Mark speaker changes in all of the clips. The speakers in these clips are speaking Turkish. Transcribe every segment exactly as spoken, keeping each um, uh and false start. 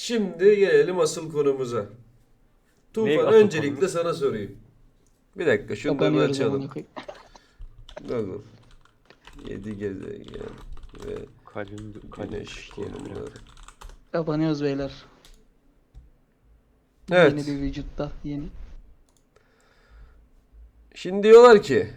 Speaker 1: Şimdi gelelim asıl konumuza.
Speaker 2: Ne
Speaker 1: Tufan,
Speaker 2: asıl
Speaker 1: öncelikle
Speaker 2: konumuz?
Speaker 1: sana sorayım. Bir dakika şunları bir
Speaker 3: Kapanıyoruz amına
Speaker 1: açalım.
Speaker 3: koyayım.
Speaker 1: Google. Yedi gezegen ve
Speaker 2: Kalbim kalbim
Speaker 1: güneş
Speaker 2: sıkıştı ya biraz.
Speaker 1: konumları.
Speaker 3: Kapanıyoruz beyler.
Speaker 1: Evet.
Speaker 3: Yeni bir vücutta yeni.
Speaker 1: Şimdi diyorlar ki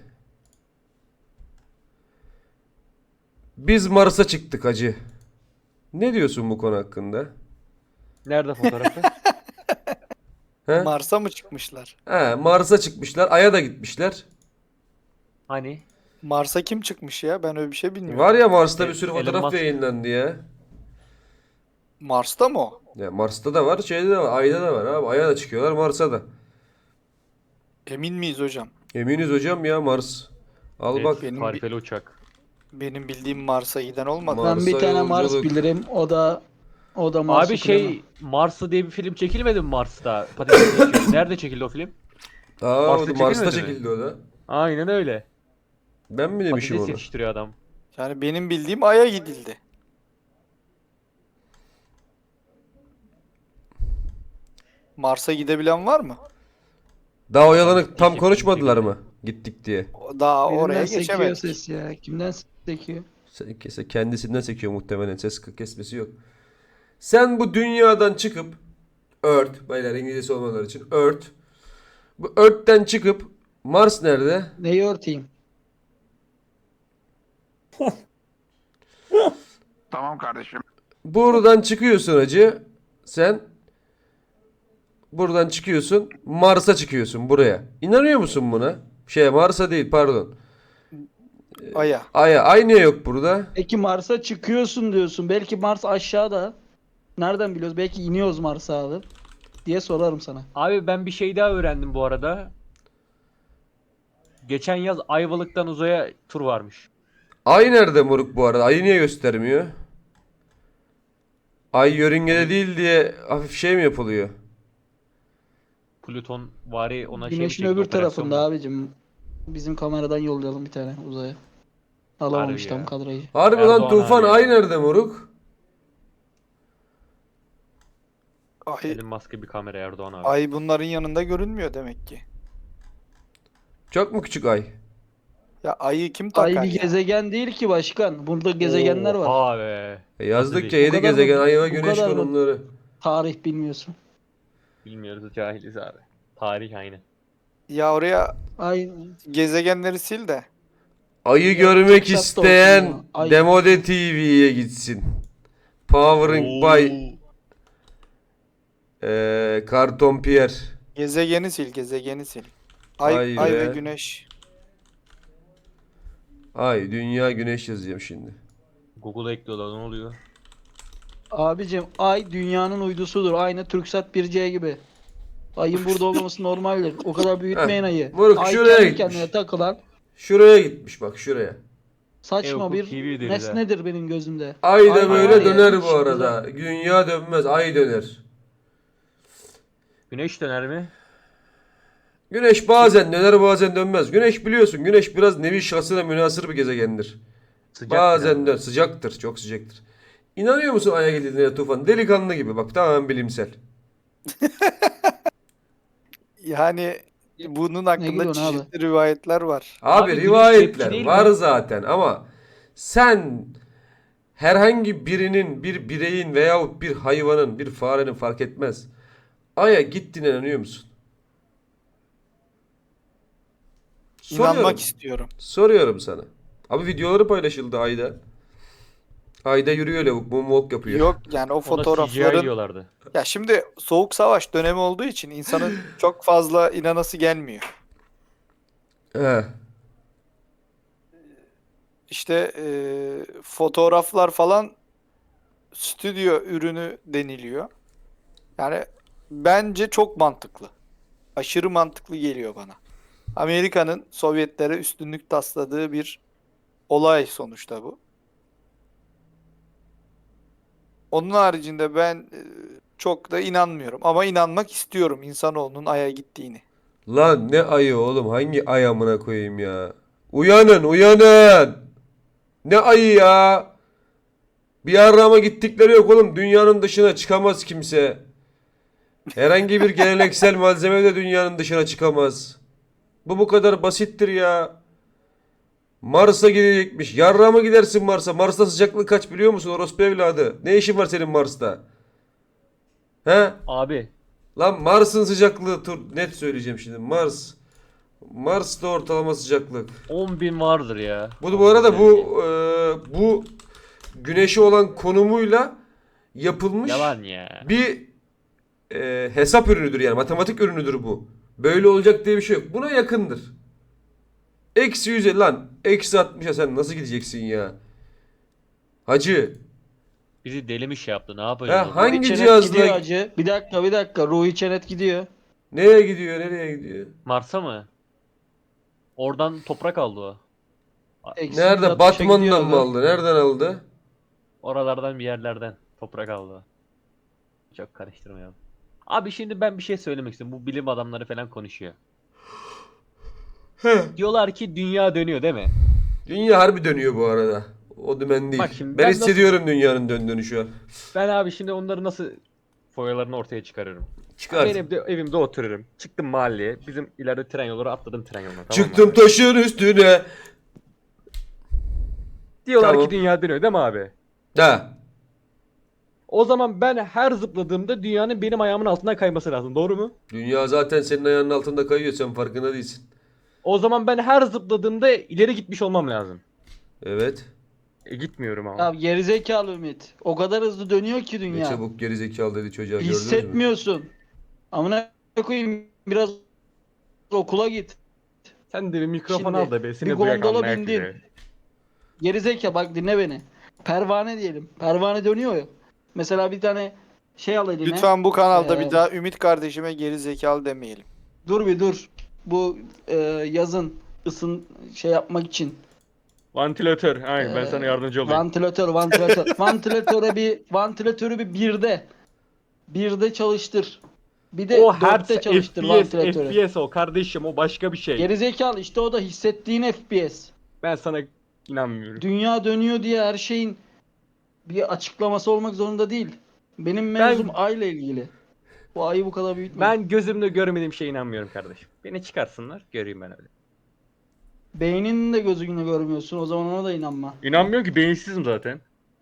Speaker 1: biz Mars'a çıktık hacı. Ne diyorsun bu konu hakkında?
Speaker 2: Nerede fotoğrafı?
Speaker 1: He?
Speaker 4: Mars'a mı çıkmışlar?
Speaker 1: He, Mars'a çıkmışlar. Ay'a da gitmişler.
Speaker 2: Hani?
Speaker 4: Mars'a kim çıkmış ya? Ben öyle bir şey bilmiyorum.
Speaker 1: Var ya Mars'ta
Speaker 2: E-
Speaker 1: bir sürü
Speaker 2: Elon
Speaker 1: fotoğraf
Speaker 2: Musk.
Speaker 1: yayınlandı ya.
Speaker 4: Mars'ta mı o?
Speaker 1: Ya Mars'ta da var, şeyde de var, Ay'da da var abi. Ay'a da çıkıyorlar, Mars'a da.
Speaker 4: Emin miyiz hocam?
Speaker 1: Eminiz hocam ya Mars. Al
Speaker 2: Evet,
Speaker 1: bak.
Speaker 4: benim
Speaker 2: tarifeli uçak.
Speaker 4: Benim bildiğim Mars'a giden olmadı.
Speaker 1: Mars-
Speaker 3: Ben bir
Speaker 1: Mars'a
Speaker 3: tane Mars
Speaker 1: yolculuk.
Speaker 3: bilirim. O da o da Mars
Speaker 2: Abi şey Mars'ta diye bir film çekilmedi mi Mars'ta? Patates geçiyor. Nerede çekildi o film?
Speaker 1: Aa,
Speaker 2: Mars'ta
Speaker 1: o da Mars'ta
Speaker 2: çekilmedi mi?
Speaker 1: çekildi o da.
Speaker 2: Aynen öyle.
Speaker 1: Ben mi demişim
Speaker 2: Patates
Speaker 1: onu?
Speaker 2: yetiştiriyor adam.
Speaker 4: Yani benim bildiğim Ay'a gidildi. Mars'a gidebilen var mı?
Speaker 1: Daha oyalanık tam
Speaker 2: Gittik,
Speaker 1: konuşmadılar
Speaker 2: gittik.
Speaker 1: mı? Gittik diye.
Speaker 4: O- Daha
Speaker 3: Birinden
Speaker 4: oraya
Speaker 3: sekiyor
Speaker 4: geçemedik.
Speaker 3: ses ya. Kimden sekiyor?
Speaker 1: Sen- kese- Kendisinden sekiyor muhtemelen. Ses kesmesi yok. Sen bu dünyadan çıkıp Earth, beyler İngilizcesi olmaları için Earth. Bu Earth'ten çıkıp Mars nerede?
Speaker 3: Neyi örteyim?
Speaker 5: Tamam kardeşim.
Speaker 1: Buradan çıkıyorsun hacı. Sen buradan çıkıyorsun. Mars'a çıkıyorsun buraya. İnanıyor musun buna? Şey Mars'a değil pardon.
Speaker 4: Ay'a.
Speaker 1: Ay'a. Ay niye yok burada?
Speaker 3: Peki Mars'a çıkıyorsun diyorsun. Belki Mars aşağıda. Nereden biliyoruz? Belki iniyoruz Mars'a abi. Diye sorarım sana.
Speaker 2: Abi ben bir şey daha öğrendim bu arada. Geçen yaz Ayvalık'tan uzaya tur varmış.
Speaker 1: Ay nerede moruk bu arada? Ayı niye göstermiyor? Ay yörüngede değil diye hafif şey mi yapılıyor?
Speaker 2: Plüton vari ona şey mi
Speaker 3: Güneşin
Speaker 2: çekti,
Speaker 3: öbür
Speaker 2: operasyon
Speaker 3: tarafında
Speaker 2: mu?
Speaker 3: abicim. Bizim kameradan yollayalım bir tane uzaya. Alamamış
Speaker 2: Harbi
Speaker 3: tam
Speaker 2: ya.
Speaker 3: kadrajı.
Speaker 1: Harbi lan
Speaker 2: Erdoğan
Speaker 1: Tufan,
Speaker 2: abi ya.
Speaker 1: ay nerede moruk?
Speaker 4: Ay,
Speaker 2: Elon Musk'a bir kamera Erdoğan abi.
Speaker 4: Ay bunların yanında görünmüyor demek ki.
Speaker 1: Çok mu küçük ay?
Speaker 4: Ya Ay'ı kim takar
Speaker 3: Ay bir
Speaker 4: ya?
Speaker 3: gezegen değil ki başkan. Burada gezegenler var.
Speaker 2: Oha be.
Speaker 1: E yazdıkça
Speaker 2: değil?
Speaker 1: yedi
Speaker 3: Bu kadar
Speaker 1: gezegen,
Speaker 3: mı-
Speaker 1: ay ve
Speaker 3: bu
Speaker 1: güneş
Speaker 3: kadar mı?
Speaker 1: konumları.
Speaker 3: Tarih bilmiyorsun.
Speaker 2: Bilmiyoruz, cahiliz abi. Tarih aynı.
Speaker 4: Ya oraya
Speaker 3: Ay
Speaker 4: gezegenleri sil de.
Speaker 1: Ayı
Speaker 3: Ya,
Speaker 1: görmek
Speaker 3: çok şart
Speaker 1: isteyen
Speaker 3: olsun ya. Ay.
Speaker 1: Demode T V'ye gitsin. Powering by eee Karton Pierre.
Speaker 4: Gezegeni sil, gezegeni sil. Ay,
Speaker 1: Ay
Speaker 4: ay,
Speaker 1: be.
Speaker 4: ve güneş.
Speaker 1: Ay, dünya, güneş yazacağım şimdi.
Speaker 2: Google'a ekliyorlar, ne oluyor?
Speaker 3: abicim ay dünyanın uydusudur. Aynı Türksat bir C gibi. Ayın burada olmaması normaldir. O kadar büyütmeyin
Speaker 1: Heh,
Speaker 3: ayı.
Speaker 1: moruk,
Speaker 3: Ay
Speaker 1: şuraya
Speaker 3: kendi
Speaker 1: gitmiş.
Speaker 3: kendine takılan
Speaker 1: Şuraya gitmiş bak, şuraya.
Speaker 3: saçma
Speaker 2: Eokul
Speaker 3: bir
Speaker 2: T V deriz ha.
Speaker 3: nesnedir benim gözümde.
Speaker 1: Ay da
Speaker 3: Ay
Speaker 1: böyle
Speaker 3: var ya,
Speaker 1: döner
Speaker 3: hiç
Speaker 1: bu arada. Dünya dönmez, ay döner.
Speaker 2: Güneş döner mi?
Speaker 1: Güneş bazen döner, bazen dönmez. Güneş biliyorsun, güneş biraz nevi şahsına münhasır bir gezegendir.
Speaker 2: Sıcak
Speaker 1: Bazen
Speaker 2: biraz.
Speaker 1: dön, sıcaktır, çok sıcaktır. İnanıyor musun Ay'a gidildiğine Tufan? Delikanlı gibi bak, tamamen bilimsel.
Speaker 4: Yani bunun hakkında
Speaker 3: gülüyorsun abi?
Speaker 4: çeşitli rivayetler var.
Speaker 1: Abi,
Speaker 2: Abi güneş
Speaker 1: rivayetler
Speaker 2: cepçi değil
Speaker 1: var
Speaker 2: mi?
Speaker 1: zaten ama sen herhangi birinin, bir bireyin veyahut bir hayvanın, bir farenin fark etmez. Ay'a gittiğine inanıyor musun? Soruyorum.
Speaker 4: İnanmak istiyorum.
Speaker 1: Soruyorum sana. Abi videoları paylaşıldı Ay'da. Ay'da yürüyor lavuk, moonwalk yapıyor.
Speaker 4: Yok yani o
Speaker 2: Ona C G I
Speaker 4: fotoğrafların
Speaker 2: diyorlardı.
Speaker 4: ya şimdi soğuk savaş dönemi olduğu için insanın çok fazla inanası gelmiyor.
Speaker 1: He.
Speaker 4: İşte e, fotoğraflar falan stüdyo ürünü deniliyor. Yani bence çok mantıklı. Aşırı mantıklı geliyor bana. Amerika'nın Sovyetlere üstünlük tasladığı bir olay sonuçta bu. Onun haricinde ben e, çok da inanmıyorum ama inanmak istiyorum insanoğlunun Ay'a gittiğini.
Speaker 1: Lan ne ayı oğlum? Hangi ay amına koyayım ya? Uyanın, uyanın. Ne ayı ya? Bir arama gittikleri yok oğlum. Dünyanın dışına çıkamaz kimse. Herhangi bir geleneksel malzeme de dünyanın dışına çıkamaz. Bu bu kadar basittir ya. Mars'a gidecekmiş. Yarrağa mı gidersin Mars'a? Mars'ta sıcaklık kaç biliyor musun orospu evladı? Ne işin var senin Mars'ta? He?
Speaker 2: Abi
Speaker 1: Lan Mars'ın sıcaklığı tur net söyleyeceğim şimdi. Mars. Mars'ta ortalama sıcaklık.
Speaker 2: on bin vardır ya.
Speaker 1: Bu bu arada bu e, bu güneşi olan konumuyla yapılmış
Speaker 2: Yalan ya.
Speaker 1: bir e, hesap ürünüdür yani matematik ürünüdür bu. Böyle olacak diye bir şey yok. Buna yakındır. Eksi yüze lan. Eksi altmışa sen nasıl gideceksin ya? Hacı.
Speaker 2: Bizi deli mi şey yaptı? Ne yapacağız?
Speaker 1: Ha, hangi
Speaker 3: Ruhi Çenet
Speaker 1: cihazla-
Speaker 3: gidiyor hacı. Bir dakika bir dakika. Ruhi Çenet gidiyor.
Speaker 1: Nereye gidiyor? Nereye gidiyor?
Speaker 2: Mars'a mı? Oradan toprak aldı o.
Speaker 3: Eksi
Speaker 1: Nerede?
Speaker 3: yüz altmışa
Speaker 1: Batman'dan
Speaker 3: gidiyor
Speaker 1: mı
Speaker 3: adam.
Speaker 1: aldı? Nereden aldı?
Speaker 2: Oralardan bir yerlerden toprak aldı o. Çok karıştırmayalım. Abi şimdi ben bir şey söylemek istiyorum. Bu bilim adamları falan konuşuyor.
Speaker 1: Heh.
Speaker 2: Diyorlar ki dünya dönüyor değil mi?
Speaker 1: Dünya harbi dönüyor bu arada. O dümen değil.
Speaker 2: Bak şimdi
Speaker 1: ben
Speaker 2: ben
Speaker 1: hissediyorum dünyanın döndüğünü şu an.
Speaker 2: Ben abi şimdi onları nasıl foyalarını ortaya çıkarıyorum.
Speaker 1: Çıkar.
Speaker 2: Ben evde, evimde otururum. Çıktım mahalleye. Bizim ileride tren yolları atladım tren yoluna. Tamam mı
Speaker 1: Çıktım
Speaker 2: abi?
Speaker 1: taşın üstüne.
Speaker 2: Diyorlar
Speaker 1: Tamam.
Speaker 2: ki dünya dönüyor değil mi abi?
Speaker 1: Ha.
Speaker 2: O zaman ben her zıpladığımda dünyanın benim ayağımın altından kayması lazım. Doğru mu?
Speaker 1: Dünya zaten senin ayağının altında kayıyor. Sen farkında değilsin.
Speaker 2: O zaman ben her zıpladığımda ileri gitmiş olmam lazım.
Speaker 1: Evet.
Speaker 2: E, gitmiyorum ama.
Speaker 3: Ya gerizekalı Ümit. O kadar hızlı dönüyor ki
Speaker 1: Ne
Speaker 3: dünya.
Speaker 1: çabuk gerizekalı dedi çocuğa gördünüz mü?
Speaker 3: Hissetmiyorsun. Amına koyayım biraz okula git.
Speaker 2: Sen de bir mikrofon
Speaker 3: Şimdi
Speaker 2: al da be. Seni
Speaker 3: bir
Speaker 2: duyak
Speaker 3: gondola
Speaker 2: anlayak
Speaker 3: bindin.
Speaker 2: bile.
Speaker 3: Gerizekalı bak dinle beni. Pervane diyelim. Pervane dönüyor ya. Mesela bir tane şey al eline.
Speaker 4: Lütfen bu kanalda
Speaker 3: Ee,
Speaker 4: bir daha Ümit kardeşime geri zekalı demeyelim.
Speaker 3: Dur bir dur. Bu e, yazın ısın şey yapmak için.
Speaker 2: Vantilatör. Aynen ben
Speaker 3: Ee,
Speaker 2: sana yardımcı olayım.
Speaker 3: Vantilatör, vantilatör. Vantilatöre bir vantilatörü bir birde. Birde çalıştır. Bir de
Speaker 2: O her
Speaker 3: dörtte çalıştır
Speaker 2: F P S,
Speaker 3: vantilatörü.
Speaker 2: F P S o kardeşim o başka bir şey.
Speaker 3: Gerizekalı işte o da hissettiğin F P S.
Speaker 2: Ben sana inanmıyorum.
Speaker 3: Dünya dönüyor diye her şeyin bir açıklaması olmak zorunda değil. Benim mevzum ayla ilgili. Bu ayı bu kadar büyütme.
Speaker 2: Ben gözümle görmediğim şeye inanmıyorum kardeşim. Beni çıkarsınlar göreyim ben öyle.
Speaker 3: Beyninin de gözünle görmüyorsun. O zaman ona da inanma.
Speaker 2: İnanmıyorum ki beyinsizim zaten.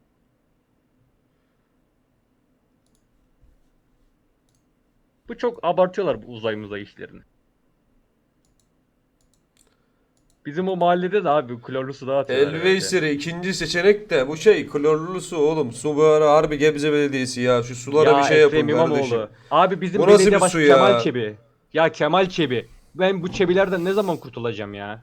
Speaker 2: Bu çok abartıyorlar bu uzay muzay işlerini. Bizim o mahallede de abi klorlu su dağıtıyorlar. herhalde.
Speaker 1: Elveyseri ikinci seçenek de bu şey klorlu su oğlum. Su bu ara harbi Gebze Belediyesi ya. Şu sulara
Speaker 2: Ya
Speaker 1: bir şey yapın
Speaker 2: Ekrem İmamoğlu.
Speaker 1: kardeşim.
Speaker 2: Abi bizim
Speaker 1: Bu nasıl
Speaker 2: belediye
Speaker 1: bir
Speaker 2: baş
Speaker 1: su ya?
Speaker 2: Kemal Çebi. Ya Kemal Çebi. Ben bu çebilerden ne zaman kurtulacağım ya?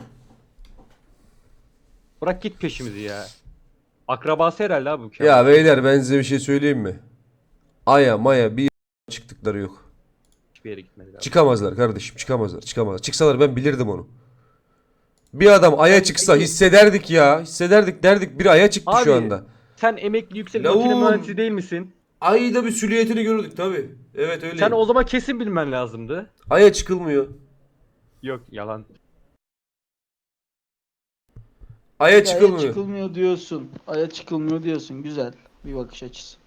Speaker 2: Bırak git peşimizi ya. Akrabası herhalde abi bu Kemal.
Speaker 1: Ya beyler ben size bir şey söyleyeyim mi? Aya maya bir çıktıkları yok.
Speaker 2: Hiçbir yere gitmedi abi.
Speaker 1: Çıkamazlar kardeşim çıkamazlar çıkamazlar. Çıksalar ben bilirdim onu. Bir adam aya çıksa
Speaker 3: peki-
Speaker 1: hissederdik ya. Hissederdik derdik biri aya çıktı
Speaker 2: Abi,
Speaker 1: şu anda.
Speaker 2: Sen emekli yüksek
Speaker 1: Lavuğum.
Speaker 2: makine mühendisi değil misin?
Speaker 1: Ayda bir süliyetini görürdük tabi. Evet öyle.
Speaker 2: Sen o zaman kesin bilmen lazımdı.
Speaker 1: Aya çıkılmıyor.
Speaker 2: Yok yalan.
Speaker 1: Aya
Speaker 3: Aya
Speaker 1: çıkılmıyor.
Speaker 3: çıkılmıyor diyorsun. Aya çıkılmıyor diyorsun. Güzel bir bakış açısı.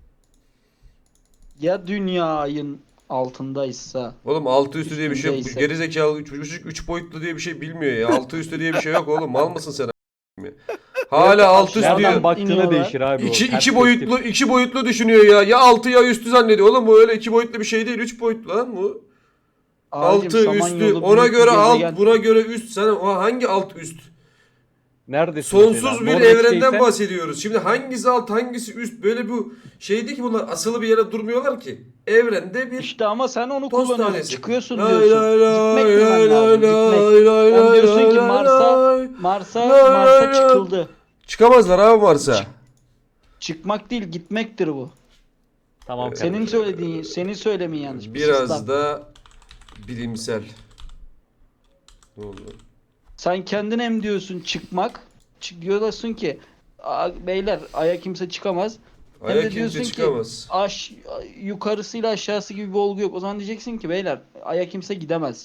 Speaker 3: Ya dünya ayın altındaysa
Speaker 1: Oğlum altı üstü diye bir şey yok. Bu
Speaker 3: Üstündeyse.
Speaker 1: gerizekalı üç, üç, üç boyutlu diye bir şey bilmiyor ya. Altı üstü diye bir şey yok oğlum. Mal mısın sen? a**ım ya? Hala altı üstü
Speaker 3: Nereden
Speaker 1: diyor.
Speaker 2: Nereden baktığına
Speaker 3: iniyorlar?
Speaker 2: değişir abi o.
Speaker 1: İki, iki
Speaker 2: Perspektif.
Speaker 1: boyutlu iki boyutlu düşünüyor ya. Ya altı ya üstü zannediyor. Oğlum bu öyle iki boyutlu bir şey değil. Üç boyutlu lan bu.
Speaker 3: Abicim,
Speaker 1: Altı
Speaker 3: Samanyolu
Speaker 1: üstü. Ona
Speaker 3: büyük bir
Speaker 1: göre alt,
Speaker 3: gezegen.
Speaker 1: buna göre üst. Sen o hangi alt üst?
Speaker 2: Neredesin
Speaker 1: Sonsuz
Speaker 2: mesela?
Speaker 1: bir
Speaker 2: Norveç'teysen-
Speaker 1: evrenden bahsediyoruz. Şimdi hangisi alt, hangisi üst? Böyle bu şeydi ki bunlar asılı bir yere durmuyorlar ki. Evrende bir
Speaker 3: İşte ama sen onu
Speaker 1: toz
Speaker 3: kullanıyorsun.
Speaker 1: tanesi.
Speaker 3: Çıkıyorsun
Speaker 1: Lay
Speaker 3: diyorsun.
Speaker 1: lay lay
Speaker 3: Gitmek
Speaker 1: lay
Speaker 3: demen lazım.
Speaker 1: lay
Speaker 3: Gitmek.
Speaker 1: lay
Speaker 3: Sen
Speaker 1: lay
Speaker 3: diyorsun ki
Speaker 1: lay
Speaker 3: Mars'a
Speaker 1: lay.
Speaker 3: Mars'a
Speaker 1: Lay lay
Speaker 3: Mars'a
Speaker 1: lay.
Speaker 3: çıkıldı.
Speaker 1: Çıkamazlar abi Mars'a.
Speaker 3: Çıkmak değil gitmektir bu.
Speaker 2: Tamam
Speaker 3: Senin
Speaker 2: kardeşim.
Speaker 3: söylediğin, senin söylemin yanlış. Bir
Speaker 1: Biraz
Speaker 3: sistem.
Speaker 1: da bilimsel. Ne oldu?
Speaker 3: Sen kendin hem diyorsun çıkmak. Çık diyorsun ki "Aa, beyler aya kimse çıkamaz. Hem
Speaker 1: Aya
Speaker 3: de
Speaker 1: kimse
Speaker 3: diyorsun ki
Speaker 1: çıkamaz.
Speaker 3: aş, yukarısıyla aşağısı gibi bir olgu yok. O zaman diyeceksin ki beyler aya kimse gidemez.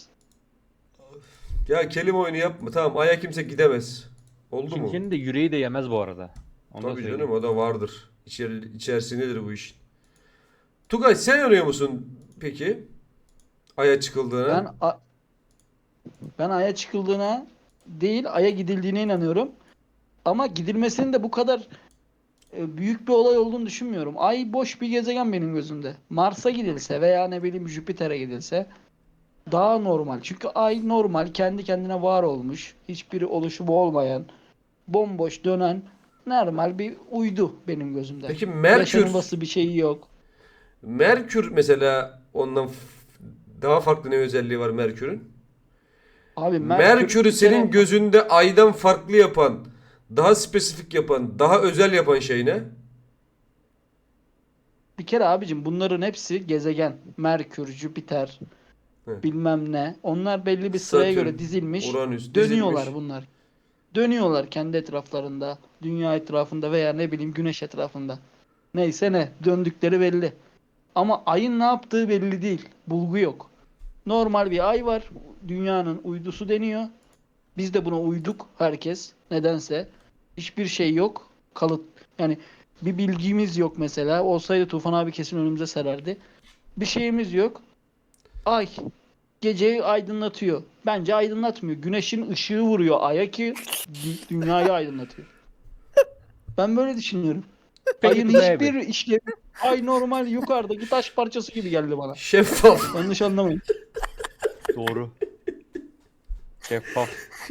Speaker 1: Ya kelime oyunu yapma. Tamam aya kimse gidemez. Oldu mu?
Speaker 2: Kimsenin de yüreği de yemez bu arada. Onu da
Speaker 1: Tabii
Speaker 2: söyleyeyim.
Speaker 1: canım o da vardır. İçer, içerisindedir bu işin. Tugay sen inanıyor musun peki? Ay'a çıkıldığına.
Speaker 3: Ben a- ben Ay'a çıkıldığına değil, Ay'a gidildiğine inanıyorum. Ama gidilmesinin de bu kadar e, büyük bir olay olduğunu düşünmüyorum. Ay boş bir gezegen benim gözümde. Mars'a gidilse veya ne bileyim Jüpiter'e gidilse daha normal. Çünkü Ay normal, kendi kendine var olmuş, hiçbir oluşumu olmayan, bomboş dönen normal bir uydu benim gözümde.
Speaker 1: Peki Merkür,
Speaker 3: Yaşanılması bir şeyi yok.
Speaker 1: Merkür mesela ondan f- daha farklı ne özelliği var Merkür'ün?
Speaker 3: Abi Merkür
Speaker 1: Merkür'ü
Speaker 3: bir
Speaker 1: senin
Speaker 3: kere-
Speaker 1: gözünde Ay'dan farklı yapan, daha spesifik yapan, daha özel yapan şey ne?
Speaker 3: bir kere abicim bunların hepsi gezegen. Merkür, Jüpiter,
Speaker 1: Hı.
Speaker 3: bilmem ne. Onlar belli bir sıraya
Speaker 1: Satürn,
Speaker 3: göre dizilmiş.
Speaker 1: Uranüs
Speaker 3: Dönüyorlar
Speaker 1: dizilmiş.
Speaker 3: bunlar. Dönüyorlar kendi etraflarında, dünya etrafında veya ne bileyim güneş etrafında. Neyse ne, döndükleri belli. Ama ayın ne yaptığı belli değil. Bulgu yok. Normal bir ay var. Dünyanın uydusu deniyor. Biz de buna uyduk herkes. Nedense. Hiçbir şey yok. Kalıt. Yani bir bilgimiz yok mesela. Olsaydı Tufan abi kesin önümüze sererdi. Bir şeyimiz yok. Ay geceyi aydınlatıyor. Bence aydınlatmıyor. Güneşin ışığı vuruyor aya ki dü- dünyayı aydınlatıyor. Ben böyle düşünüyorum.
Speaker 2: Peki
Speaker 3: Ayın
Speaker 2: Tugay abi.
Speaker 3: hiçbir işlevi ay normal yukarıdaki taş parçası gibi geldi bana.
Speaker 1: Şeffaf.
Speaker 3: Yanlış anlamayın.
Speaker 2: Doğru. Şeffaf.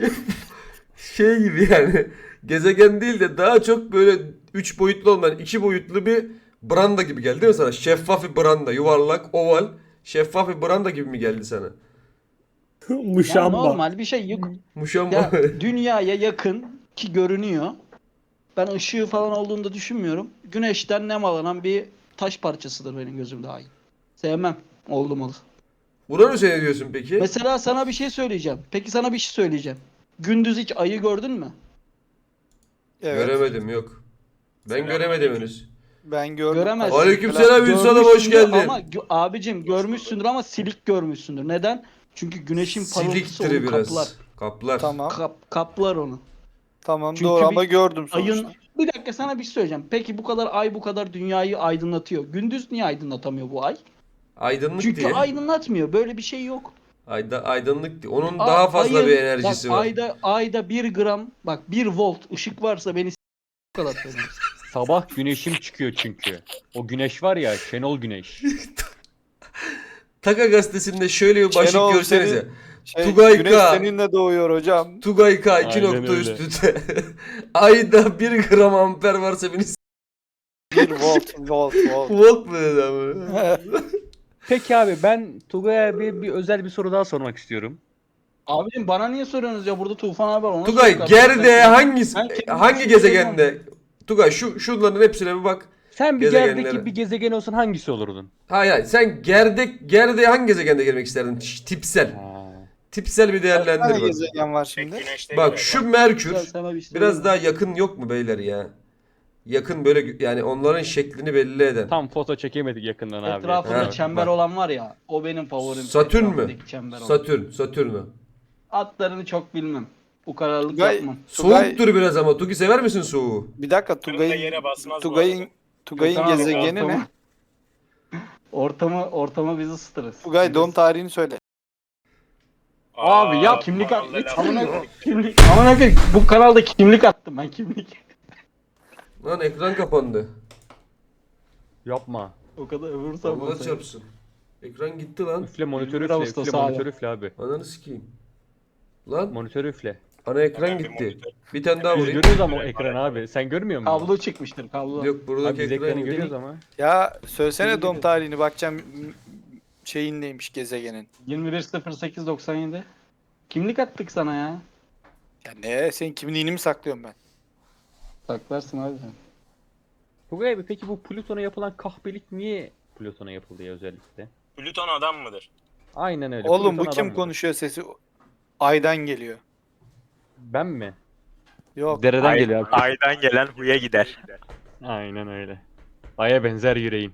Speaker 1: Şey gibi yani. Gezegen değil de daha çok böyle üç boyutlu olmayan iki boyutlu bir branda gibi geldi değil mi sana? Şeffaf bir branda. Yuvarlak, oval. Şeffaf bir branda gibi mi geldi sana?
Speaker 3: Yani
Speaker 5: Muşamba.
Speaker 3: normal bir şey yok.
Speaker 1: Muşamba.
Speaker 3: Ya dünyaya yakın ki görünüyor. Ben ışığı falan olduğunu da düşünmüyorum. Güneşten nemalanan bir taş parçasıdır benim gözümde ay. Sevmem. Oldu mu?
Speaker 1: Uranüs'e ne diyorsun peki?
Speaker 3: Mesela sana bir şey söyleyeceğim. Peki sana bir şey söyleyeceğim. Gündüz hiç ayı gördün mü?
Speaker 4: Evet.
Speaker 1: Göremedim yok. Ben göremedim henüz.
Speaker 4: Ben gördüm.
Speaker 3: Göremezsin.
Speaker 1: Aleykümselam Ünsal'ım, hoş
Speaker 3: Görmüşsündür
Speaker 1: geldin.
Speaker 3: Ama gö- abicim görmüşsündür ama silik görmüşsündür. Neden? Çünkü güneşin parıltısı
Speaker 1: Siliktir
Speaker 3: onu
Speaker 1: biraz.
Speaker 3: kaplar.
Speaker 1: Kaplar.
Speaker 4: Tamam.
Speaker 3: Kap- kaplar onu.
Speaker 4: Tamam
Speaker 3: Çünkü
Speaker 4: doğru
Speaker 3: bir
Speaker 4: ama gördüm
Speaker 3: Ayın
Speaker 4: sonuçta.
Speaker 3: bir dakika sana bir şey söyleyeceğim. Peki bu kadar ay bu kadar dünyayı aydınlatıyor. Gündüz niye aydınlatamıyor bu ay?
Speaker 1: Aydınlık
Speaker 3: Çünkü
Speaker 1: diye.
Speaker 3: aydınlatmıyor. Böyle bir şey yok.
Speaker 1: Ayda, aydınlık diye. Onun
Speaker 3: A-
Speaker 1: daha fazla
Speaker 3: ayın-
Speaker 1: bir enerjisi
Speaker 3: bak,
Speaker 1: var.
Speaker 3: Ayda ayda bir gram bak bir volt ışık varsa beni s- bu kadar söylüyorum.
Speaker 2: Sabah güneşim çıkıyor çünkü. O güneş var ya, Şenol Güneş.
Speaker 1: Taka gazetesinde şöyle bir başlık
Speaker 4: Şenol,
Speaker 1: görsenize.
Speaker 4: senin- Şey,
Speaker 1: Tugay
Speaker 4: güneş
Speaker 1: K.
Speaker 4: seninle doğuyor hocam.
Speaker 1: Tugay K iki
Speaker 2: Aynen
Speaker 1: nokta
Speaker 2: öyle.
Speaker 1: üstünde. Ayda bir gram amper varsa beni s-
Speaker 4: Bir volt, volt, volt.
Speaker 1: volt mu dedi ama?
Speaker 2: Peki abi ben Tugay'a bir, bir özel bir soru daha sormak istiyorum.
Speaker 3: Abicim bana niye soruyorsunuz ya? Burada Tufan abi var. Ona
Speaker 1: Tugay
Speaker 3: sorun kardeşim.
Speaker 1: Gerde
Speaker 3: Ben-
Speaker 1: hangisi
Speaker 3: ben kendim
Speaker 1: hangi
Speaker 3: için
Speaker 1: gezegende? Tugay şu şunların hepsine bir bak.
Speaker 2: Sen bir
Speaker 1: Gezegenlere.
Speaker 2: yerdeki bir gezegen olsan hangisi olurdun?
Speaker 1: Hayır hayır sen Gerde Gerde hangi gezegende gelmek isterdin? Ş- Tipsel.
Speaker 2: Ha.
Speaker 1: Tipsel bir
Speaker 4: Bir tane
Speaker 1: değerlendir bak.
Speaker 4: gezegen var şimdi.
Speaker 1: Bak şu Merkür
Speaker 3: Güzel, sana bir şey
Speaker 1: biraz
Speaker 3: söyleyeyim
Speaker 1: daha
Speaker 3: mi?
Speaker 1: yakın yok mu beyler ya? Yakın böyle gö- yani onların şeklini belli eden.
Speaker 2: Tam foto çekemedik yakından abi.
Speaker 3: Etrafında
Speaker 1: Ha,
Speaker 3: çember
Speaker 1: bak.
Speaker 3: olan var ya. O benim favorim.
Speaker 1: Satürn mü?
Speaker 3: Etrafındaki çember olan.
Speaker 1: Satürn, Satürn o.
Speaker 3: Atlarını çok bilmem. Bu kararlılık
Speaker 4: Tugay-
Speaker 3: yapmam.
Speaker 4: Tugay-
Speaker 1: Soğuktur biraz ama. Tugi sever misin soğuğu?
Speaker 4: Bir dakika
Speaker 6: Kırmızı
Speaker 4: Tugay'ın
Speaker 6: yere basmaz bu
Speaker 4: Tugay'ın
Speaker 6: arada.
Speaker 4: Tugay'ın
Speaker 3: Tamam,
Speaker 4: gezegeni
Speaker 3: ortamı-
Speaker 4: ne?
Speaker 3: Ortamı ortamı bizi ısıtırız.
Speaker 4: Tugay doğum tarihini söyle.
Speaker 3: Abi ya
Speaker 6: Aa,
Speaker 3: kimlik
Speaker 6: bu
Speaker 3: at.
Speaker 6: arada laf-
Speaker 3: Amına kimlik. Amına koyayım, bu kanalda kimlik attım ben kimlik.
Speaker 1: Lan ekran kapandı.
Speaker 2: Yapma.
Speaker 3: O kadar öbür
Speaker 1: Allah
Speaker 3: sabah.
Speaker 1: çarpsın. Ekran gitti lan.
Speaker 2: Üfle monitörü
Speaker 3: yirmi
Speaker 2: üfle.
Speaker 3: Ağustos
Speaker 2: Üfle
Speaker 3: abi.
Speaker 2: monitörü üfle abi.
Speaker 1: Ananı sikeyim. Lan
Speaker 2: Monitörü üfle.
Speaker 1: ana ekran
Speaker 6: Hemen bir
Speaker 1: gitti.
Speaker 6: monitör.
Speaker 1: Bir tane daha
Speaker 2: Biz
Speaker 1: vurayım.
Speaker 2: görüyoruz ama o ekranı abi. Sen görmüyor musun?
Speaker 3: Kablo çıkmıştır kablo.
Speaker 1: Yok
Speaker 2: Abi
Speaker 1: buradaki
Speaker 2: biz
Speaker 1: ekran
Speaker 2: ekranı
Speaker 1: gitti.
Speaker 2: görüyoruz ama.
Speaker 4: Ya söylesene
Speaker 3: Bilmiyorum.
Speaker 4: doğum tarihini bakacağım m- şeyin neymiş gezegenin.
Speaker 3: yirmi bir sıfır sekiz doksan yedi. Kimlik attık sana ya.
Speaker 4: Ya ne? Senin kimliğini mi saklıyorum ben?
Speaker 3: Saklarsın abi sen.
Speaker 2: Tugay abi peki bu Plüton'a yapılan kahpelik niye Plüton'a yapıldı ya özellikle?
Speaker 6: Plüton adam mıdır?
Speaker 2: Aynen öyle.
Speaker 4: Oğlum bu
Speaker 2: Plüton
Speaker 4: kim
Speaker 2: adam mıdır?
Speaker 4: konuşuyor sesi? Aydan geliyor.
Speaker 2: Ben mi?
Speaker 4: Yok.
Speaker 2: Dereden
Speaker 7: Ay-
Speaker 2: geliyor abi.
Speaker 7: Aydan gelen huya gider.
Speaker 2: Aynen öyle. Aya benzer yüreğim.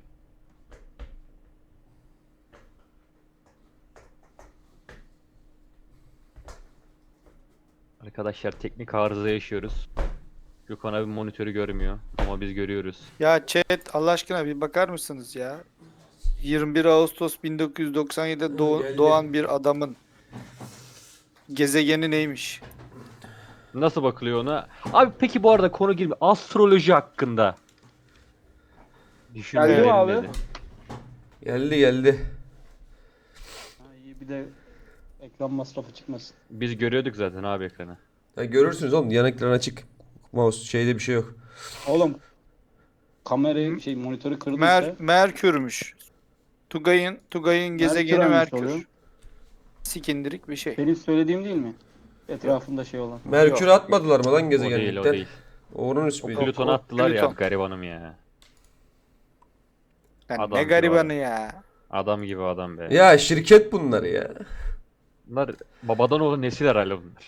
Speaker 2: Arkadaşlar teknik arıza yaşıyoruz. Gökhan abi monitörü görmüyor ama biz görüyoruz.
Speaker 4: Ya chat Allah aşkına bir bakar mısınız ya? yirmi bir Ağustos bin dokuz yüz doksan yedide doğ-
Speaker 1: Geldi.
Speaker 4: doğan bir adamın gezegeni neymiş?
Speaker 2: Nasıl bakılıyor ona? Abi peki bu arada konu gibi astroloji hakkında. Düşünmelerin
Speaker 3: mi abi?
Speaker 2: dedi.
Speaker 1: Geldi geldi.
Speaker 3: Ha, iyi bir de ekran masrafı çıkmasın.
Speaker 2: Biz görüyorduk zaten abi ekranı.
Speaker 1: Ha, görürsünüz oğlum, yan ekran açık. Mouse şeyde bir şey yok.
Speaker 3: Oğlum kamerayı şey monitörü kırdıysa
Speaker 4: Mer Merkür'müş. Tugay'ın Tugay'ın gezegeni
Speaker 3: hangisi
Speaker 4: Merkür.
Speaker 3: oluyor?
Speaker 4: Sikindirik bir şey.
Speaker 3: Benim söylediğim değil mi? Etrafında şey olan.
Speaker 1: Merkür'ü atmadılar mı lan
Speaker 2: O değil o
Speaker 1: gezegenlikten?
Speaker 2: değil.
Speaker 1: Uranüs müydü?
Speaker 2: Plüton'u attılar ya
Speaker 4: Plüton.
Speaker 2: garibanım ya.
Speaker 4: Yani
Speaker 2: Adam
Speaker 4: ne
Speaker 2: gibi
Speaker 4: garibanı
Speaker 2: abi.
Speaker 4: ya.
Speaker 2: Adam gibi adam be.
Speaker 1: Ya şirket bunlar ya.
Speaker 2: Bunlar babadan oğlu nesil herhalde bunlar.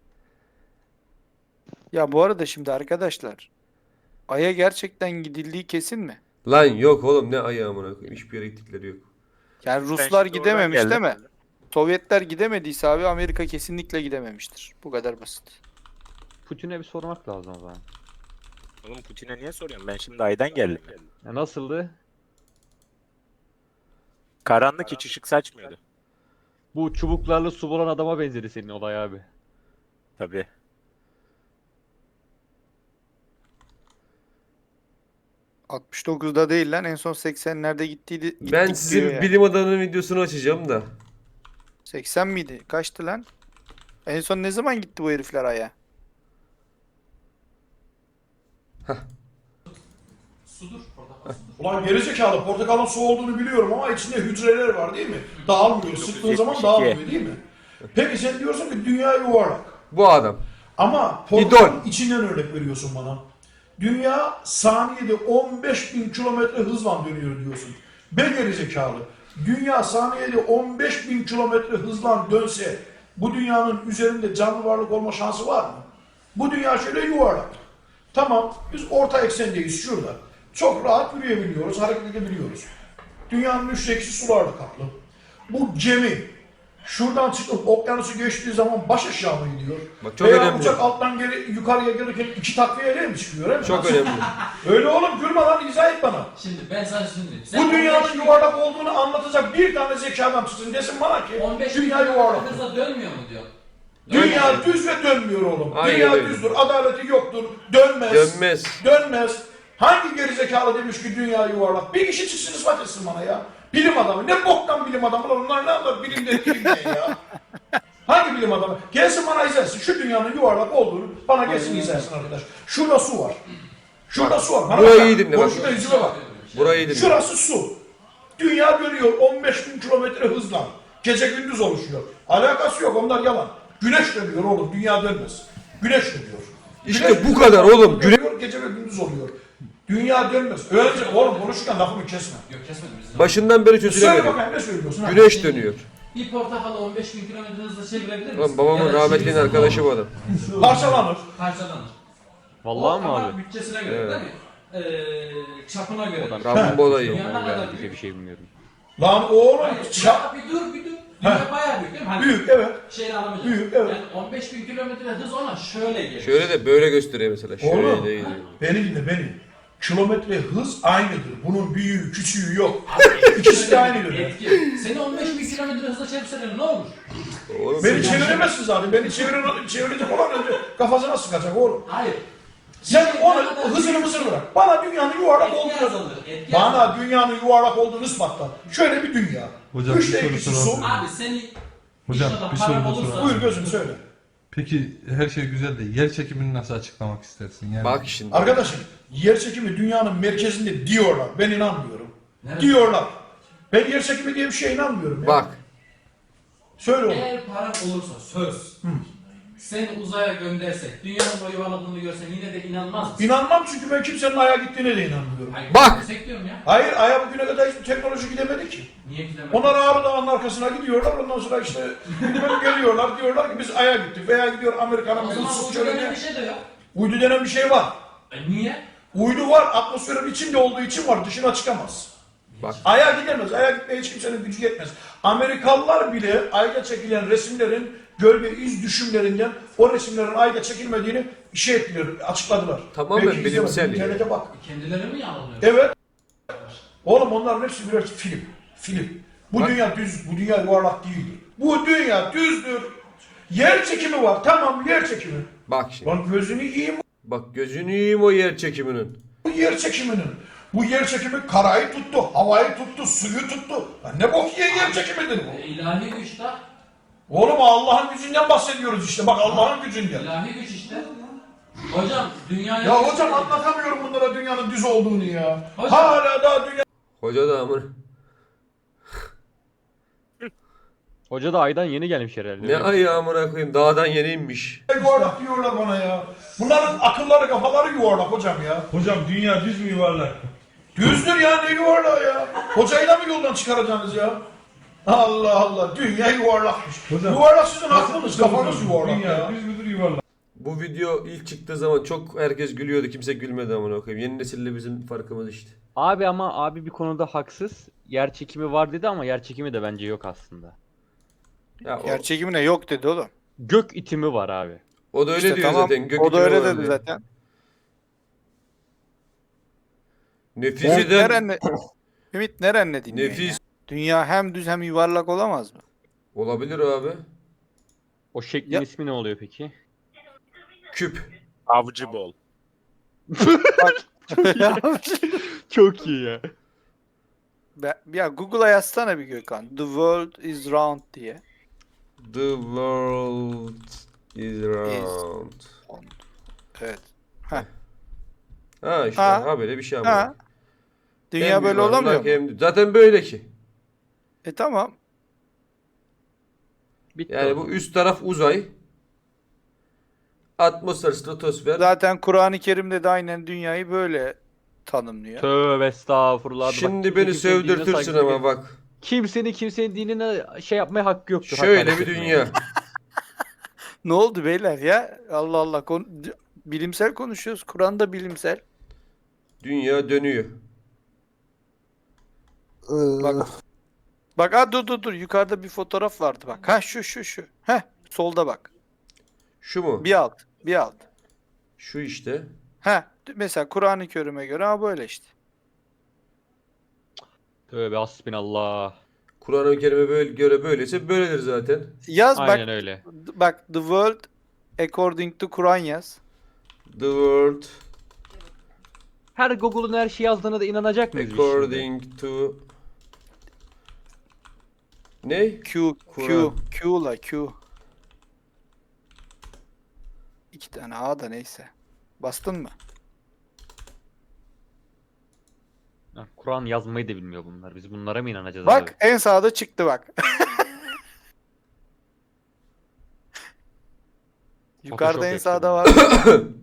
Speaker 4: Ya bu arada şimdi arkadaşlar Ay'a gerçekten gidildiği kesin mi?
Speaker 1: Lan yok oğlum, ne ayağı amına koyayım. Hiçbir yere gittikleri yok.
Speaker 4: Yani
Speaker 7: Ben
Speaker 4: Ruslar
Speaker 7: şimdi oradan
Speaker 4: gidememiş
Speaker 7: geldim.
Speaker 4: değil mi? Sovyetler gidemediyse abi Amerika kesinlikle gidememiştir. Bu kadar basit.
Speaker 2: Putin'e bir sormak lazım o zaman.
Speaker 7: Oğlum Putin'e niye soruyorsun? Ben şimdi aydan geldim. ya.
Speaker 2: Ya nasıldı?
Speaker 7: Karanlık hiç ışık saçmıyordu.
Speaker 2: Bu çubuklarla su bulan adama benzedi senin olay abi.
Speaker 7: Tabii.
Speaker 4: altmış dokuzda değil lan en son seksenlerde gittiydi.
Speaker 1: Ben
Speaker 4: gittik
Speaker 1: sizin
Speaker 4: diyor ya.
Speaker 1: bilim adamının videosunu açacağım da.
Speaker 4: seksen miydi? Kaçtı lan? En son ne zaman gitti bu herifler Ay'a?
Speaker 5: Ulan gerizekalı, portakalın su olduğunu biliyorum ama içinde hücreler var değil mi? Dağılmıyor. Sıktığın zaman
Speaker 7: dokuz yüz yetmiş iki.
Speaker 5: dağılmıyor değil mi? Peki sen diyorsun ki dünya yuvarlak.
Speaker 1: Bu adam.
Speaker 5: Ama portakalın içinden örnek veriyorsun bana. Dünya saniyede on beş bin kilometre hızla dönüyor diyorsun. Be gerizekalı. Dünya saniyede on beş bin kilometre hızla dönse bu dünyanın üzerinde canlı varlık olma şansı var mı? Bu dünya şöyle yuvarlak. Tamam, biz orta eksendeyiz şurada. Çok rahat yürüyebiliyoruz, hareket edebiliyoruz. Dünyanın üçte ikisi sularla kaplı. Bu gemi şuradan çıkıp okyanusu geçtiği zaman baş aşağı mı gidiyor?
Speaker 1: Bak çok
Speaker 5: Veya
Speaker 1: önemli.
Speaker 5: uçak alttan geri, yukarıya gelirken iki takviyeyle mi çıkıyor? Öyle mi?
Speaker 1: Çok önemli.
Speaker 5: Öyle oğlum, gülme lan, izah et bana.
Speaker 6: Şimdi ben sana şunu diyeyim. Sen
Speaker 5: Bu dünyanın
Speaker 6: on beş bin-
Speaker 5: yuvarlak olduğunu anlatacak bir tane zeki adam çıksın desin bana ki
Speaker 6: on beş bin
Speaker 5: dünya yuvarlak.
Speaker 6: hızla dönmüyor mu diyor.
Speaker 5: Dünya düz ve dönmüyor oğlum.
Speaker 1: Aynen
Speaker 5: Dünya
Speaker 1: öyle.
Speaker 5: düzdür, adaleti yoktur, dönmez.
Speaker 1: Dönmez.
Speaker 5: Dönmez. Hangi gerizekalı demiş ki dünya yuvarlak? Bir kişi çıksın ispat etsin bana ya. Bilim adamı. Ne boktan bilim adamı lan, onlar ne anlar bilimden bilimden ya. Hangi bilim adamı? Gelsin bana izah etsin. Şu dünyanın yuvarlak olduğunu bana gelsin izah etsin arkadaş. Şurada su var. Şurada su var. Bana
Speaker 1: burayı
Speaker 5: bak.
Speaker 1: iyi dinle bak.
Speaker 5: Boşuna yüzüme bak.
Speaker 1: Burayı dinle.
Speaker 5: Şurası su. Dünya dönüyor on beş bin kilometre hızla. Gece gündüz oluşuyor. Alakası yok, onlar yalan. Güneş dönüyor oğlum, dünya dönmez. Güneş dönüyor.
Speaker 1: İşte
Speaker 5: Güneş
Speaker 1: bu kadar oğlum. Güne-
Speaker 5: dönüyor, gece ve gündüz oluyor. Dünya dönmez. Öylece oğlum konuşurken lafımı kesme.
Speaker 6: Yok kesmedim bizi.
Speaker 1: Başından beri
Speaker 5: Söyle
Speaker 1: çözülemedim.
Speaker 5: bakayım ne söylüyorsun ha?
Speaker 1: Güneş dönüyor.
Speaker 6: Bir portakalı on beş bin kilometre hızla çevirebilir misin?
Speaker 1: Lan babamın
Speaker 6: Ya da
Speaker 1: rahmetlinin
Speaker 6: çevirsen
Speaker 1: arkadaşı
Speaker 6: ne
Speaker 1: bu
Speaker 6: olur?
Speaker 1: adam.
Speaker 5: Parçalanır.
Speaker 6: Parçalanır.
Speaker 2: Vallahi
Speaker 6: O
Speaker 2: mı
Speaker 6: ama
Speaker 2: abi?
Speaker 6: bütçesine göre
Speaker 1: Evet.
Speaker 6: değil mi? Ee, çapına göre.
Speaker 2: Ulan
Speaker 1: Rambo olayı.
Speaker 6: Dünya ne
Speaker 2: Ben
Speaker 6: kadar
Speaker 2: bize
Speaker 6: büyük?
Speaker 2: bir şey bilmiyorum.
Speaker 5: Lan oğlum
Speaker 6: Hayır,
Speaker 5: çap.
Speaker 6: bir dur bir dur. Dünya bayağı büyük değil mi? Hani
Speaker 5: Büyük evet.
Speaker 6: şeyini alamayacağım.
Speaker 5: Büyük, evet.
Speaker 6: Yani on beş bin kilometre hız ona şöyle gelir.
Speaker 1: Şöyle de böyle gösteriyor mesela. Şöyle
Speaker 5: Oğlum.
Speaker 1: değil.
Speaker 5: Beni dinle beni. Kilometre hız aynıdır. Bunun büyüğü küçüğü yok. İkisi de aynıdır.
Speaker 6: Etki. Seni on beş bin kilometre hızla çevirseler ne olur?
Speaker 1: Oğlum
Speaker 5: Beni çeviremezsin zaten. Beni çevirin, çevirecek olan önce kafasına sıkacak oğlum.
Speaker 6: Hayır.
Speaker 5: Sen onu hızını mısır bırak. Bana dünyanın yuvarlak
Speaker 6: Etki
Speaker 5: olduğunu
Speaker 6: azalır. Etki azalır.
Speaker 5: Bana dünyanın yuvarlak olduğunu ispatla. Şöyle bir dünya.
Speaker 8: Hocam,
Speaker 5: Üçte
Speaker 8: bir soru
Speaker 5: ikisi su.
Speaker 8: sorabilir miyim?
Speaker 6: Abi seni
Speaker 8: Hocam,
Speaker 6: İnşallah
Speaker 8: bir
Speaker 6: para
Speaker 8: soru da
Speaker 6: olursa-
Speaker 8: soralım.
Speaker 5: Buyur gözüm söyle.
Speaker 8: Peki her şey güzel de yer çekimini nasıl açıklamak istersin? Yani
Speaker 1: bak şimdi.
Speaker 5: Arkadaşım yer çekimi dünyanın merkezinde diyorlar. Ben inanmıyorum.
Speaker 6: Nerede?
Speaker 5: Diyorlar. Ben yer çekimi diye bir şeye inanmıyorum. Ya.
Speaker 1: Bak.
Speaker 5: Söyle oğlum.
Speaker 6: eğer paran olursa söz. Seni uzaya göndersek, dünyanın boyu yuvarladığını görsen yine de inanmaz mısın?
Speaker 5: İnanmam çünkü ben kimsenin aya gittiğine de inanmıyorum.
Speaker 6: Hayır,
Speaker 1: Bak!
Speaker 6: göndersek diyorum ya.
Speaker 5: Hayır aya bugüne kadar hiçbir teknoloji gidemedi ki.
Speaker 6: Niye gidemedin?
Speaker 5: Onlar Ağrı Dağı'nın arkasına gidiyorlar. Ondan sonra işte bilmem geliyorlar. Diyorlar ki biz aya gittik. Veya gidiyor Amerika'nın
Speaker 6: O
Speaker 5: bizim
Speaker 6: zaman
Speaker 5: sırt
Speaker 6: uydu denen
Speaker 5: çölüne.
Speaker 6: bir şey de yok.
Speaker 5: Uydu denen bir şey var.
Speaker 6: E niye?
Speaker 5: Uydu var. Atmosferin içinde olduğu için var. Dışına çıkamaz.
Speaker 1: Bak.
Speaker 5: Aya gidemez. Aya gitmeye hiç kimsenin gücü yetmez. Amerikalılar bile ayda çekilen resimlerin gölge iz düşümlerinden o resimlerin ayda çekilmediğini şey ettiler, açıkladılar.
Speaker 1: Tamamen
Speaker 5: Belki izlemedin,
Speaker 1: bilimsel yani.
Speaker 5: İnternete bak.
Speaker 6: Kendileri mi yanılıyor?
Speaker 5: Evet. Oğlum onların hepsi birer film. Film. Bu
Speaker 1: Bak.
Speaker 5: dünya düz, bu dünya yuvarlak değildir. Bu dünya düzdür. Yer çekimi var. Tamam, yer çekimi.
Speaker 1: Bak şimdi.
Speaker 5: Lan gözünü yiyeyim
Speaker 1: Bak gözünü yiyeyim o yer çekiminin.
Speaker 5: bu yer çekiminin. Bu yer çekimi karayı tuttu, havayı tuttu, suyu tuttu. Lan ne bok yiyen yer çekimidir bu?
Speaker 6: E, ilahi güç de.
Speaker 5: Oğlum Allah'ın gücünden bahsediyoruz işte. Bak Allah'ın gücünden.
Speaker 6: İlahi güç işte. Hocam dünyaya...
Speaker 5: Ya hocam anlatamıyorum bunlara dünyanın düz olduğunu ya.
Speaker 6: Hocam.
Speaker 5: Hala daha dünya
Speaker 1: Hoca da amına.
Speaker 2: Hoca da aydan yeni gelmiş herhalde.
Speaker 1: Ne ayı amına koyayım dağdan yeni inmiş.
Speaker 5: yuvarlak diyorlar bana ya. Bunların akılları kafaları yuvarlak hocam ya.
Speaker 8: Hocam dünya düz mü yuvarlak?
Speaker 5: Düzdür ya, ne yuvarlağı ya. Hocayı da mı yoldan çıkaracaksınız ya? Allah Allah, dünya yuvarlakmış.
Speaker 8: Hocam,
Speaker 5: yuvarlak sizin aklınız, kafanız yuvarlak
Speaker 8: Dünya
Speaker 5: ya.
Speaker 8: düz müdür yuvarlak?
Speaker 1: Bu video ilk çıktığı zaman çok herkes gülüyordu. Kimse gülmedi amına koyayım. Yeni nesille bizim farkımız işte.
Speaker 2: Abi ama abi bir konuda haksız. Yer çekimi var dedi ama yer çekimi de bence yok aslında.
Speaker 1: Ya o,
Speaker 4: Yer çekimine yok dedi oğlum.
Speaker 2: Gök itimi var abi.
Speaker 1: o da öyle
Speaker 4: İşte
Speaker 1: diyor
Speaker 4: tamam,
Speaker 1: zaten. Gök
Speaker 4: o da
Speaker 1: itimi
Speaker 4: öyle
Speaker 1: var
Speaker 4: dedi
Speaker 1: diyor.
Speaker 4: zaten. Ümit
Speaker 1: Nefisiden
Speaker 4: neren Ümit neren ne dinliyor
Speaker 1: nefis
Speaker 4: ya? Dünya hem düz hem yuvarlak olamaz mı?
Speaker 1: olabilir abi.
Speaker 2: O şeklin
Speaker 4: Ya-
Speaker 2: ismi ne oluyor peki?
Speaker 1: Küp.
Speaker 7: Avcı bol.
Speaker 2: Çok iyi ya.
Speaker 4: Be- ya Google'a yazsana bir Gökhan. The world is round diye.
Speaker 1: The world is round.
Speaker 4: Evet.
Speaker 1: Ha işte
Speaker 4: Ha.
Speaker 1: ha, böyle bir şey ama.
Speaker 4: Ha. Dünya
Speaker 1: Hem
Speaker 4: böyle
Speaker 1: yuvarlak
Speaker 4: olamıyor mu?
Speaker 1: hem- Zaten böyle ki.
Speaker 4: E tamam.
Speaker 2: Bitti
Speaker 1: Yani
Speaker 2: o
Speaker 1: bu
Speaker 2: zaman.
Speaker 1: üst taraf uzay. Atmosfer, stratosfer.
Speaker 4: Zaten Kur'an-ı Kerim'de de aynen dünyayı böyle tanımlıyor.
Speaker 2: Tövbe estağfurullah. Bak,
Speaker 1: Şimdi
Speaker 2: kimse
Speaker 1: beni
Speaker 2: kimsenin dinine
Speaker 1: sövdürtürsün
Speaker 2: saygı-
Speaker 1: ama bak.
Speaker 2: Kimsenin kimsenin dinine şey yapmaya hakkı yoktur.
Speaker 1: Şöyle
Speaker 2: hakaret
Speaker 1: bir
Speaker 2: etmeye.
Speaker 1: dünya.
Speaker 4: Ne oldu beyler ya? Allah Allah. Kon- bilimsel konuşuyoruz. Kur'an da bilimsel.
Speaker 1: Dünya dönüyor.
Speaker 4: Bak. Bak ha dur dur dur. Yukarıda bir fotoğraf vardı bak. Ha şu şu şu. Heh. Solda bak.
Speaker 1: Şu mu?
Speaker 4: Bir alt. Bir alt.
Speaker 1: Şu işte.
Speaker 4: Ha mesela Kur'an-ı Kerim'e göre ha böyle işte.
Speaker 2: Tövbe hasbinallah.
Speaker 1: Kur'an-ı Kerim'e böyle göre böyleyse böyledir zaten.
Speaker 4: Yaz
Speaker 2: Aynen
Speaker 4: bak.
Speaker 2: öyle.
Speaker 4: Bak the world according to Kur'an yaz.
Speaker 1: The world
Speaker 2: Her Google'un her şeyi yazdığına da inanacak mıyız biz şimdi?
Speaker 1: according to ne?
Speaker 4: Q Q
Speaker 1: Kur'an.
Speaker 4: Q la Q. İki tane A da neyse. Bastın mı?
Speaker 2: Ha, Kur'an yazmayı da bilmiyor bunlar. Biz bunlara mı inanacağız
Speaker 4: Bak
Speaker 2: abi?
Speaker 4: en sağda çıktı bak. Yukarıda en
Speaker 2: Photoshop
Speaker 4: sağda
Speaker 2: yapıyor.
Speaker 4: var.